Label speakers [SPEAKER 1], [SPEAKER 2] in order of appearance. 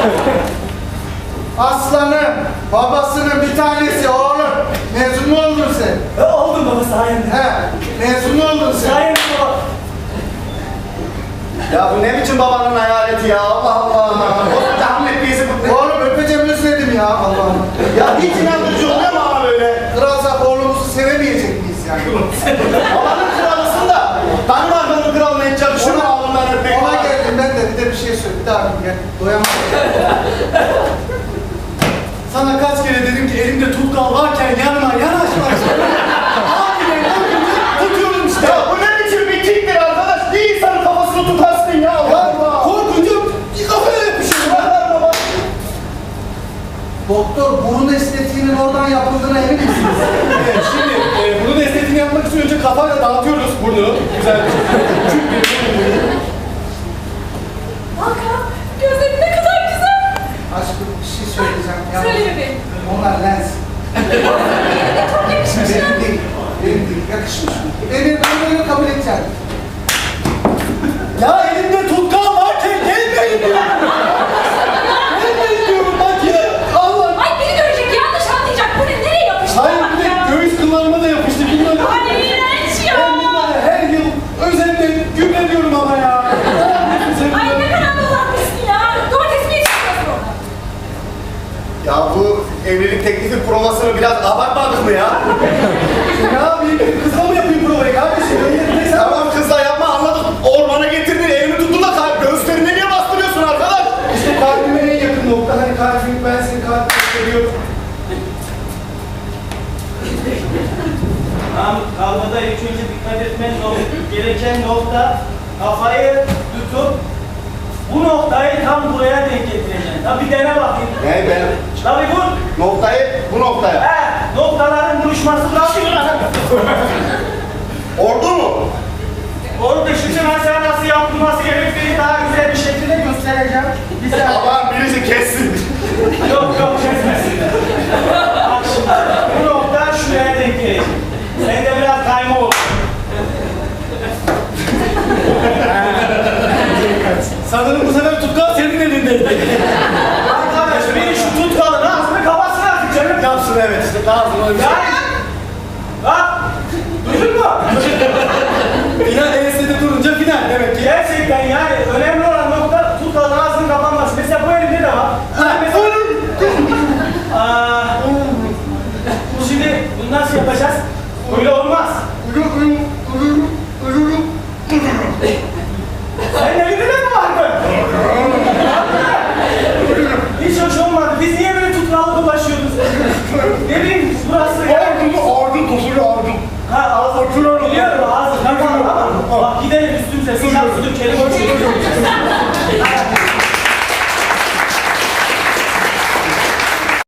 [SPEAKER 1] Aslanım, babasının bir tanesi oğlum. Mezun mu oldun sen?
[SPEAKER 2] Oldum baba sayende.
[SPEAKER 1] He, mezun mu oldun sen?
[SPEAKER 2] Sayende baba.
[SPEAKER 3] Ya bu ne biçim babanın hayaleti ya? Allah Allah. O tahmin ettiğisi bu.
[SPEAKER 1] Oğlum öpeceğim özledim ya Allah'ım.
[SPEAKER 3] Ya hiç inandırıcı oluyor mu ama böyle?
[SPEAKER 1] Kralsak oğlumuzu sevemeyecek miyiz yani?
[SPEAKER 3] Babanın kralısın da. Danimarka'nın kralına hiç yakışır mı alnından öpmek?
[SPEAKER 1] Ona geldim ben de bir şey söyle. Bir daha gel. Doyamadım.
[SPEAKER 2] Sana kaç kere dedim ki elimde tutkal varken yanıma yanaşma. Aniden tutuyorum işte.
[SPEAKER 3] Ya bu ne biçim bir kicktir arkadaş? Bir insanın kafasını tutarsın ya. Allah Allah.
[SPEAKER 2] Korkunca bir kafaya yapışıyorum.
[SPEAKER 3] Baba.
[SPEAKER 1] Doktor, burun estetiğinin oradan yapıldığına emin misiniz?
[SPEAKER 2] Evet, şimdi burun estetiğini yapmak için önce kafayla dağıtıyoruz burnu. Güzel bir şekilde.
[SPEAKER 4] Hakan, gözlerin ne kadar güzel.
[SPEAKER 1] Aşkım bir şey söyleyeceğim.
[SPEAKER 4] Söyle bebeğim.
[SPEAKER 1] Onlar lens.
[SPEAKER 4] Yerine çok yakışmış ya.
[SPEAKER 1] Benim değil. Benim değil. Yakışmış mı? Ben böyle kabul edeceğim.
[SPEAKER 2] Ya elimde tutkal varken gelmeyin diyorum. Gelmeyin diyorum bak ya. Allah.
[SPEAKER 4] Ay beni görecek, yanlış anlayacak. Bu ne, nereye yapıştı?
[SPEAKER 2] Hayır
[SPEAKER 4] Bak
[SPEAKER 2] bir de
[SPEAKER 4] ya.
[SPEAKER 2] göğüs kıllarıma da yapıştı. Bilmem.
[SPEAKER 4] Ay iğrenç ya.
[SPEAKER 2] Ben bunları her yıl özenle gübreliyorum ama ya.
[SPEAKER 4] Ay ne kadar dolanmışsın ya. Domates mi yetiştiriyorsun orada?
[SPEAKER 3] Ya bu evlilik teklifi provasını biraz abartmadık mı ya?
[SPEAKER 2] Ya bir kızla mı yapayım provayı kardeşim? Neyse ama
[SPEAKER 3] Tamam kızla yapma anladık. Ormana getirdin, evini tuttun da göğüslerine niye bastırıyorsun arkadaş?
[SPEAKER 2] işte kalbime en yakın nokta. Hani kalbim ben senin kalbini seviyorum.
[SPEAKER 5] Kavgada ilk önce dikkat etmen gereken nokta kafayı tutup bu noktayı tam buraya denk getireceksin. Tabii dene bakayım.
[SPEAKER 3] Ne ben?
[SPEAKER 5] Tabii vur.
[SPEAKER 3] Noktayı bu noktaya.
[SPEAKER 5] Noktaların buluşması bırakıyor.
[SPEAKER 3] Ordu mu?
[SPEAKER 5] Orada şimdi ben sana nasıl yapılması gerektiğini daha güzel bir şekilde göstereceğim. Bir saniye.
[SPEAKER 3] Allah'ım birisi kessin.
[SPEAKER 5] Yok kesmesin. Bak şimdi bu nokta şuraya denk gelecek. Sen de biraz kayma ol.
[SPEAKER 2] Sanırım bu sefer tutkal senin elindeydi.
[SPEAKER 5] Arkadaş beni şu tutkalın ağzını kafasına atın canım.
[SPEAKER 2] Yapsın evet işte lazım öyle bir şey.
[SPEAKER 5] Bak! Duydun mu?
[SPEAKER 2] Final ES'de durunca final demek ki.
[SPEAKER 5] Gerçekten yani önemli olan nokta tutkalın ağzının kapanması. Mesela bu elimde de var. Mesela... Şimdi bunu nasıl yapacağız? Öyle olmaz. Senin elinde de mi vardı? Hiç hoş olmadı. Biz niye böyle tutkallı dolaşıyoruz? Ne bileyim burası ya.
[SPEAKER 3] Ağzım tosunu aldım.